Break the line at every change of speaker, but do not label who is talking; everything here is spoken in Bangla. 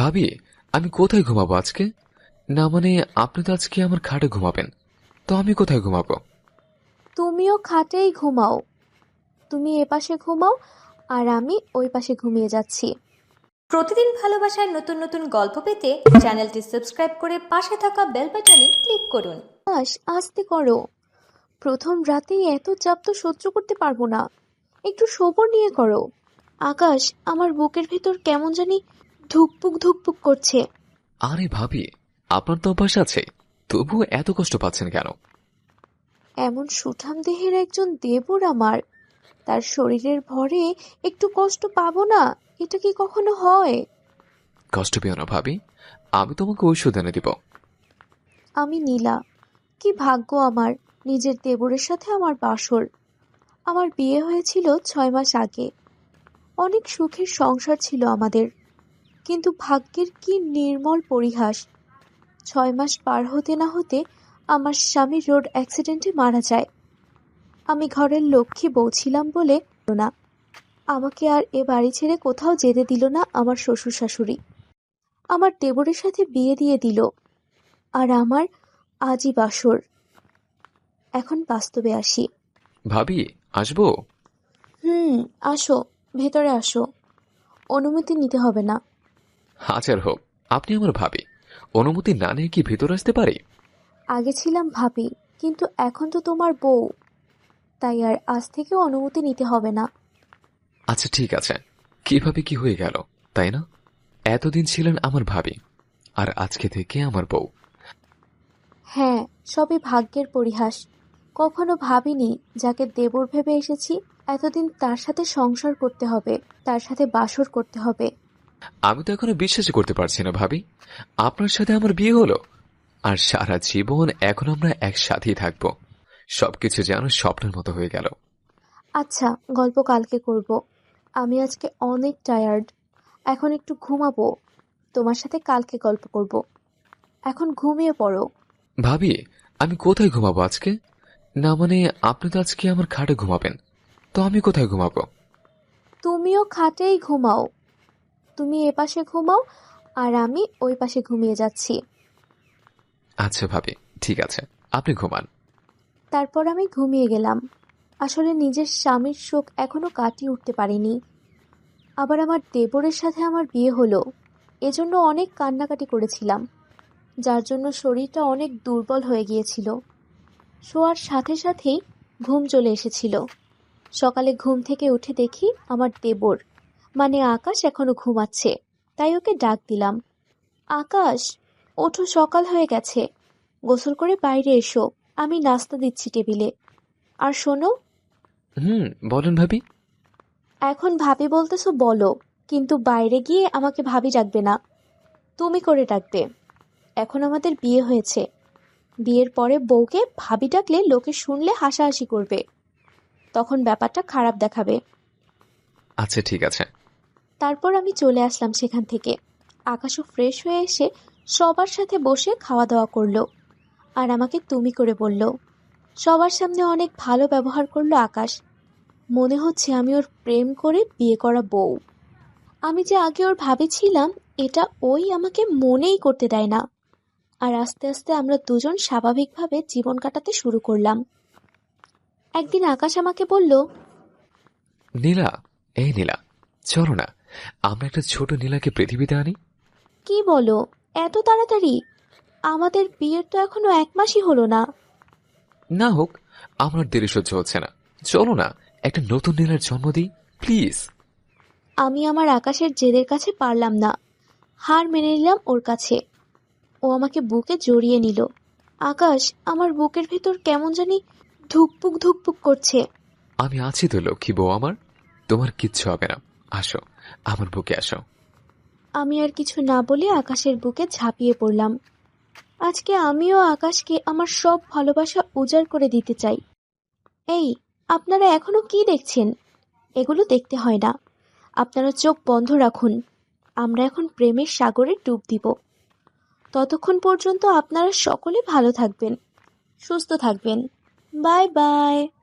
ভাবি, আমি কোথায় ঘুমাবো আজকে? না মানে, আপনি তো আজকে আমার খাটে ঘুমাবেন, তো আমি কোথায় ঘুমাবো?
তুমিও খাটেই ঘুমাও। তুমি এপাশে ঘুমাও আর আমি ওই পাশে ঘুমিয়ে যাচ্ছি।
প্রতিদিন ভালোবাসার নতুন নতুন গল্প পেতে চ্যানেলটি সাবস্ক্রাইব করে পাশে থাকা বেল বাটনে ক্লিক করুন।
আস্তে করো। প্রথম রাতেই এত চাপ তো সহ্য করতে পারবো না। একটু সবর নিয়ে করো। আকাশ, আমার বুকের ভেতর কেমন জানি ধুকপুক ধুকপুক করছে।
আরে ভাবি, আপনার তো অভ্যাস আছে, তবুও এত কষ্ট পাচ্ছেন কেন?
এমন সুঠাম দেহের একজন দেবর আমার, তার শরীরের ভরে একটু কষ্ট পাবো না? এটা কি কখনো হয়?
কষ্ট পেও না ভাবি, আমি তোমাকে ঔষধ এনে দিব।
আমি নীলা। কি ভাগ্য আমার, নিজের দেবরের সাথে আমার বাসর। আমার বিয়ে হয়েছিল 6 মাস আগে। অনেক সুখের সংসার ছিল আমাদের, কিন্তু ভাগ্যের কি নির্মল পরিহাস। 6 মাস পার হতে না হতে আমার স্বামী রোড অ্যাক্সিডেন্টে মারা যায়। আমি ঘরের লক্ষ্মী বউ ছিলাম বলে না, আমাকে আর এ বাড়ি ছেড়ে কোথাও যেতে দিল না আমার শ্বশুর শাশুড়ি। আমার দেবরের সাথে বিয়ে দিয়ে দিল, আর আমার আজই বাসর। এখন বাস্তবে আসি।
ভাবি, আসবো?
আসো, ভেতরে আসো। অনুমতি নিতে হবে না।
হাজার হোক, আপনি আমার ভাবি, অনুমতি না নিয়ে কি ভেতর আসতে পারি?
আগে ছিলাম ভাবি, কিন্তু এখন তো তোমার বউ, তাই আর আজ থেকে অনুমতি নিতে হবে না।
আচ্ছা ঠিক আছে, কিভাবে কি হয়ে গেল, তাই না? এতদিন ছিলেন আমার ভাবি, আর আজকে থেকে আমার বউ।
হ্যাঁ, সবই ভাগ্যের পরিহাস। কখনো ভাবিনি যাকে দেবর ভেবে এসেছি, এতদিন তার সাথে সংসার করতে হবে, তার সাথে বাসর করতে হবে।
আমি তো এখনো বিশ্বাসই করতে পারছি না ভাবি, আপনার সাথে আমার বিয়ে হলো, আর সারা জীবন এখন আমরা একসাথেই থাকবো। সবকিছু যেন স্বপ্নের মতো হয়ে গেল।
আচ্ছা, গল্প কালকে করব। আমি আজকে অনেক টায়ার্ড। এখন একটু ঘুমাবো। তোমার সাথে কালকে গল্প করব। এখন ঘুমিয়ে পড়ো।
ভাবি, আমি কোথায় ঘুমাবো আজকে? না মানে, আপনি তো আজকে আমার খাটে ঘুমাবেন, তো আমি কোথায় ঘুমাবো?
তুমিও খাটেই ঘুমাও। তুমি এপাশে ঘুমাও আর আমি ওই পাশে ঘুমিয়ে যাচ্ছি।
আচ্ছা ভাবি, ঠিক আছে, আপনি ঘুমান।
তারপর আমি ঘুমিয়ে গেলাম। আসলে নিজের স্বামীর শোক এখনো কাটিয়ে উঠতে পারিনি। আবার আমার দেবরের সাথে আমার বিয়ে হলো, এজন্য অনেক কান্নাকাটি করেছিলাম, যার জন্য শরীরটা অনেক দুর্বল হয়ে গিয়েছিল। শোয়ার সাথে সাথেই ঘুম চলে এসেছিল। সকালে ঘুম থেকে উঠে দেখি আমার দেবর, মানে আকাশ, এখনো ঘুমাচ্ছে। তাই ওকে ডাক দিলাম, আকাশ, ওঠো, সকাল হয়ে গেছে। গোসল করে বাইরে এসো, আমি নাস্তা দিচ্ছি টেবিলে। আর শোনো,
বলেন ভাবি।
এখন ভাবি বলতেছো বলো, কিন্তু বাইরে গিয়ে আমাকে ভাবি ডাকবে না, তুমি করে ডাকবে। এখন আমাদের বিয়ে হয়েছে। বিয়ের পরে বউকে ভাবি ডাকলে লোকে শুনলে হাসাহাসি করবে, তখন ব্যাপারটা খারাপ দেখাবে।
আচ্ছা ঠিক আছে।
তারপর আমি চলে আসলাম সেখান থেকে। আকাশও ফ্রেশ হয়ে এসে সবার সাথে বসে খাওয়া দাওয়া করলো, আর আমাকে তুমি করে বলল। সবার সামনে অনেক ভালো ব্যবহার করলো আকাশ। মনে হচ্ছে আমি ওর প্রেম করে বিয়ে করা বউ। আমি যে আগে ওর ভাবি ছিলাম, এটা ওই আমাকে মনেই করতে দেয় না। আর আস্তে আস্তে আমরা দুজন স্বাভাবিকভাবে জীবন কাটাতে শুরু করলাম। একদিন আকাশ আমাকে বলল,
নীলা, এই নীলা, চলো না, আমরা একটা ছোট নীলাকে পৃথিবীতে আনি।
কি বলো, এত তাড়াতাড়ি? আমাদের বিয়ের তো এখনো 1 মাসই হলো না।
না হোক, আমার দেরি সহ্য হচ্ছে না, চলো না, একটা নতুন নীলার জন্ম দিই, প্লিজ।
আমি আমার আকাশের জেদের কাছে পারলাম না, হার মেনে নিলাম ওর কাছে। ও আমাকে বুকে জড়িয়ে নিল। আকাশ, আমার বুকের ভেতর কেমন জানি ধুকপুক ধুকপুক করছে।
আমি আছি তো লক্ষ্মী বউ আমার, তোমার কিচ্ছু হবে না, আসো, আমার বুকে আসো।
আমি আর কিছু না বলে আকাশের বুকে ঝাঁপিয়ে পড়লাম। আজকে আমিও আকাশকে আমার সব ভালোবাসা উজাড় করে দিতে চাই। এই, আপনারা এখনো কি দেখছেন? এগুলো দেখতে হয় না। আপনারা চোখ বন্ধ রাখুন। আমরা এখন প্রেমের সাগরে ডুব দিব। ততক্ষণ পর্যন্ত আপনারা সকলে ভালো থাকবেন, সুস্থ থাকবেন। Bye by.